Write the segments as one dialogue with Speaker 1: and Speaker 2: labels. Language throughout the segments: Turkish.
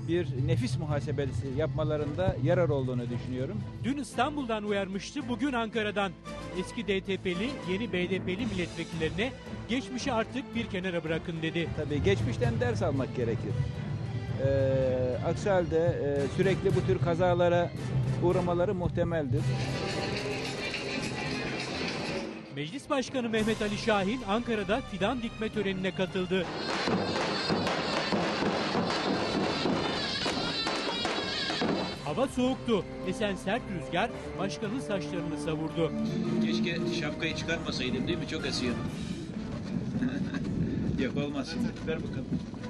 Speaker 1: bir nefis muhasebesi yapmalarında yarar olduğunu düşünüyorum.
Speaker 2: Dün İstanbul'dan uyarmıştı, bugün Ankara'dan. Eski DTP'li, yeni BDP'li milletvekillerine geçmişi artık bir kenara bırakın dedi.
Speaker 1: Tabii geçmişten ders almak gerekir. Aksi halde sürekli bu tür kazalara uğramaları muhtemeldir.
Speaker 2: Meclis Başkanı Mehmet Ali Şahin Ankara'da fidan dikme törenine katıldı. Hava soğuktu. Esen sert rüzgar başkanın saçlarını savurdu.
Speaker 3: Keşke şapkayı çıkarmasaydım, değil mi? Çok esiyor. Yok, olmaz şimdi. Ver bakalım.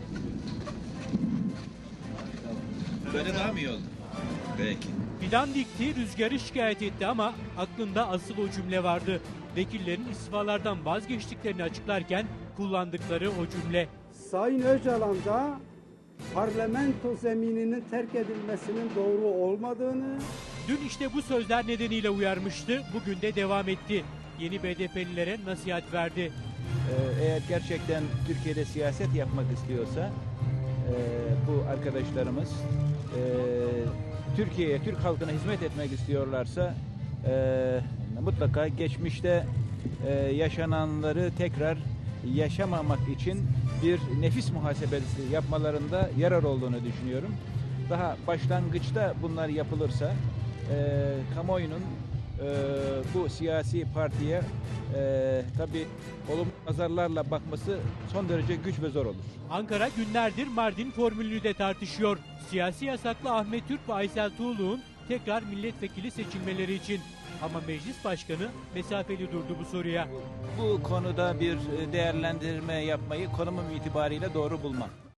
Speaker 3: Böyle daha mı iyi oldu? Peki.
Speaker 2: Fidan dikti, rüzgarı şikayet etti ama aklında asıl o cümle vardı. Vekillerin istifalardan vazgeçtiklerini açıklarken kullandıkları o cümle.
Speaker 4: Sayın Öcalan da parlamento zemininin terk edilmesinin doğru olmadığını...
Speaker 2: Dün işte bu sözler nedeniyle uyarmıştı, bugün de devam etti. Yeni BDP'lilere nasihat verdi.
Speaker 1: Eğer gerçekten Türkiye'de siyaset yapmak istiyorsa bu arkadaşlarımız Türkiye'ye, Türk halkına hizmet etmek istiyorlarsa mutlaka geçmişte yaşananları tekrar yaşamamak için bir nefis muhasebesi yapmalarında yarar olduğunu düşünüyorum. Daha başlangıçta bunlar yapılırsa kamuoyunun bu siyasi partiye tabii olumlu nazarlarla bakması son derece güç ve zor olur.
Speaker 2: Ankara günlerdir Mardin formülünü de tartışıyor. Siyasi yasaklı Ahmet Türk ve Aysel Tuğlu'nun tekrar milletvekili seçilmeleri için. Ama meclis başkanı mesafeli durdu bu soruya.
Speaker 1: Bu konuda bir değerlendirme yapmayı konumum itibariyle doğru bulmam.